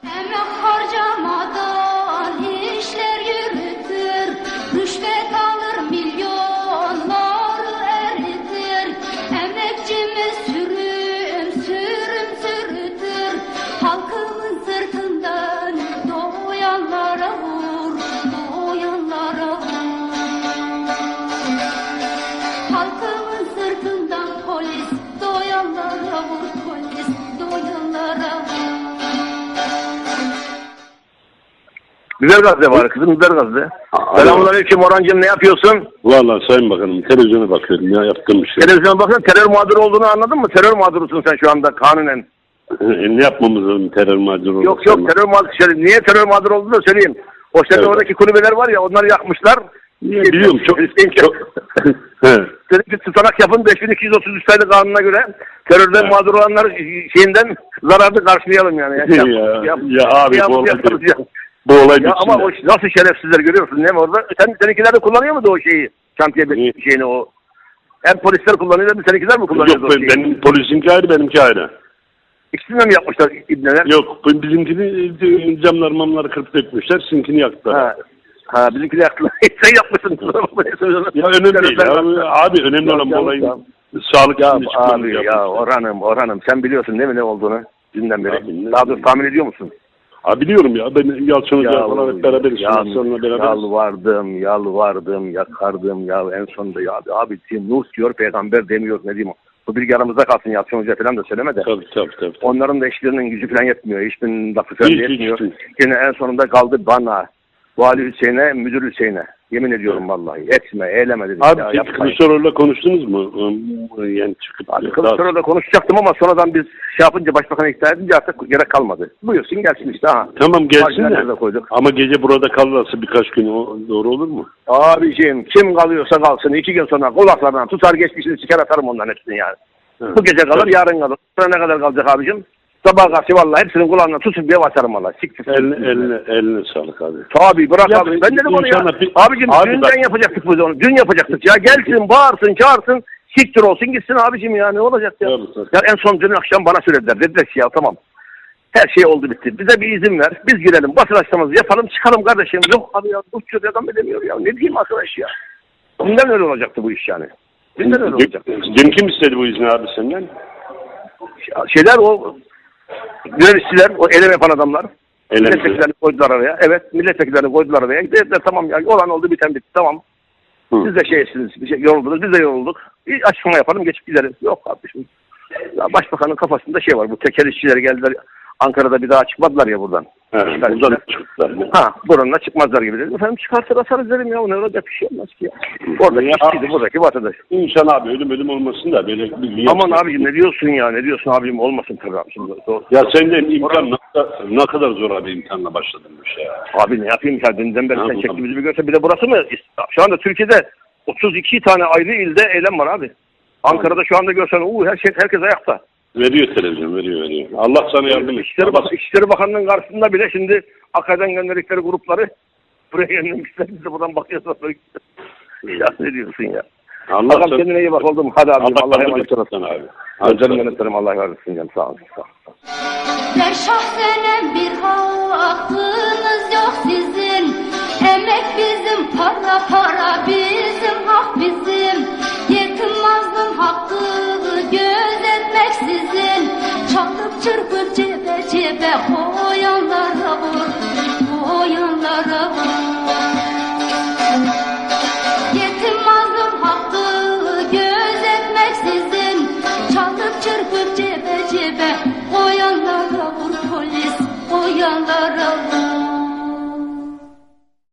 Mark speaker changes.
Speaker 1: Emek harcamadan işler yürütür, rüşvet alır milyonları eritir. Emekçimiz sürüm sürüm sürütür, halkımın sırtından doyanlara vur, doyanlara vur. Halkımın sırtından polis, doyanlara vur, polis, doyanlara vur.
Speaker 2: Güzel gazete var kızım, güzel gazete. Selamünaleyküm Orhancığım, ne yapıyorsun?
Speaker 3: Vallahi Sayın Bakanım televizyona bakıyorum ya, yaptığım bir şey.
Speaker 2: Televizyona bakın, terör mağduru olduğunu anladın mı? Terör mağdurusun sen şu anda kanunen.
Speaker 3: Ne yapmamız lazım terör mağduru?
Speaker 2: Yok terör mağduru. Niye terör mağduru olduğunu da söyleyeyim. O evet. Oradaki kulübeler var ya, onları yakmışlar.
Speaker 3: Biliyorum çok.
Speaker 2: Dedi ki tutanak yapın, 5233 sayılı kanuna göre terörden mağdur olanlar şeyinden zararlı karşılayalım yani.
Speaker 3: Ya abi bu olay
Speaker 2: ya ama o nasıl şerefsizler görüyorsun değil mi orada? Seninkiler de kullanıyor mu da o şeyi? Şantiye şeyini o. Hem polisler kullanıyor hem seninkiler mi kullanıyor?
Speaker 3: Yok benim polisinki ayrı, benimki ayrı.
Speaker 2: İkisini de mi yapmışlar ibneler?
Speaker 3: Yok bizimkini camlar kırıp dökmüşler, sizinkini yaktılar.
Speaker 2: Ha bizimkini yaktılar. Sen yapmışsın.
Speaker 3: Ya önemli değil abi, önemli olan bu olayın sağlık içinde çıkmamız.
Speaker 2: Abi ya Orhan'ım sen biliyorsun değil mi ne olduğunu dünden beri? Abi, daha doğrusu tahmin ediyor musun?
Speaker 3: Ha biliyorum ya, ben Yalçın Hoca falan hep beraberiz.
Speaker 2: Yalvardım, yakardım ya en sonunda ya abi Nuh diyor peygamber demiyor, ne diyeyim. Bu bilgi aramızda kalsın, Yalçın Hoca falan da söyleme de.
Speaker 3: Tabii.
Speaker 2: Onların da eşlerinin gücü falan yetmiyor, hiçbir lafı falan yetmiyor. Yine en sonunda kaldı bana, Vali Hüseyin'e, Müdür Hüseyin'e. Yemin ediyorum vallahi. Etme, eyleme dedim.
Speaker 3: Abi peki Kılıçdaroğlu'yla konuştunuz mu? Yani çıkıp
Speaker 2: Kılıçdaroğlu'la konuşacaktım ama sonradan biz şey yapınca, başbakanı ikna edince artık gerek kalmadı. Buyursun gelsin işte ha.
Speaker 3: Tamam gelsin de. Ama gece burada kalırsa birkaç gün doğru olur mu?
Speaker 2: Abiciğim kim kalıyorsa kalsın. 2 gün sonra kulaklarından tutar geçmişini çıkar atarım onların hepsini yani. Evet. Bu gece kalır, yarın kalır. Sonra ne kadar kalacak abicim? Sabah karşı vallahi hepsinin kulağından tutup diye basarım valla.
Speaker 3: Eline sağlık abi.
Speaker 2: Tabii bırak ya, abi. Ben dedim onu ya. Abicim dünden yapacaktık biz onu. Dün yapacaktık ya. Gelsin, bağırsın, çağırsın. Siktir olsun gitsin abicim ya. Ne olacak ya? Ya en son dün akşam bana söylediler. Dediler ki ya tamam. Her şey oldu bitti. Bize bir izin ver. Biz girelim. Basın açıklaması yapalım. Çıkalım kardeşim. Yok abi ya. Uçuyor adam edemiyor ya. Ne diyeyim arkadaş ya. Dünden öyle olacaktı bu iş yani. Dünden öyle olacaktı.
Speaker 3: Dün kim istedi bu izni abi senden?
Speaker 2: Şeyler o yöneticiler, o eylem yapan adamlar. Milletvekillerini koydular araya. Evet, milletvekillerini koydular araya. Dediler tamam ya, olan oldu biten bitti, tamam. Siz de yoruldunuz, biz de yorulduk. Bir açıklama yapalım, geçip gideriz. Yok kardeşim. Ya başbakanın kafasında şey var, bu tekel işçileri geldiler. Ankara'da bir daha çıkmadılar ya buradan.
Speaker 3: Buradan çıktılar.
Speaker 2: Buranın çıkmazlar gibi dedim. Efendim çıkartır asarız dedim ya. Ne olacak bir şey olmaz ki ya. Oradaki işçiydi, buradaki vatandaş.
Speaker 3: İnşallah abi ölüm olmasın da böyle bir...
Speaker 2: Aman abicim ne diyorsun ya, ne diyorsun abicim, olmasın tabii abicim.
Speaker 3: Ya sen de imkan ne kadar zor abi, imkanla başladın bu şey ya.
Speaker 2: Abi ne yapayım ya, dünden beri sen çektiğimizi bir görse, bir de burası mı? Şu anda Türkiye'de 32 tane ayrı ilde eylem var abi. Ankara'da şu anda görsen herkes ayakta.
Speaker 3: Veriyor televizyon, veriyor. Allah sana yardım etsin.
Speaker 2: İçişleri Bakanlığı'nın karşısında bile şimdi AKP'den gönderdikleri grupları buraya yönlenmişler. Biz de buradan bakıyoruz. Ya ne diyorsun ya? Allah kendine iyi bak oldum. Hadi abi. Allah'a emanet olasın abi. Canım yönetmenim, Allah razı olsun canım. Sağ olun.
Speaker 1: Der şahsenem bir hakkınız yok sizin. Emek bizim, para bizim, hak bizim. Yetim mazlum hakkı gözetmek sizin. Çalıp çırpıp cebe koyanlara vur, koyanlara vur. Yetim mazlum hakkı gözetmek sizin. Çalıp çırpıp cebe koyanlara vur, polis koyanlara vur.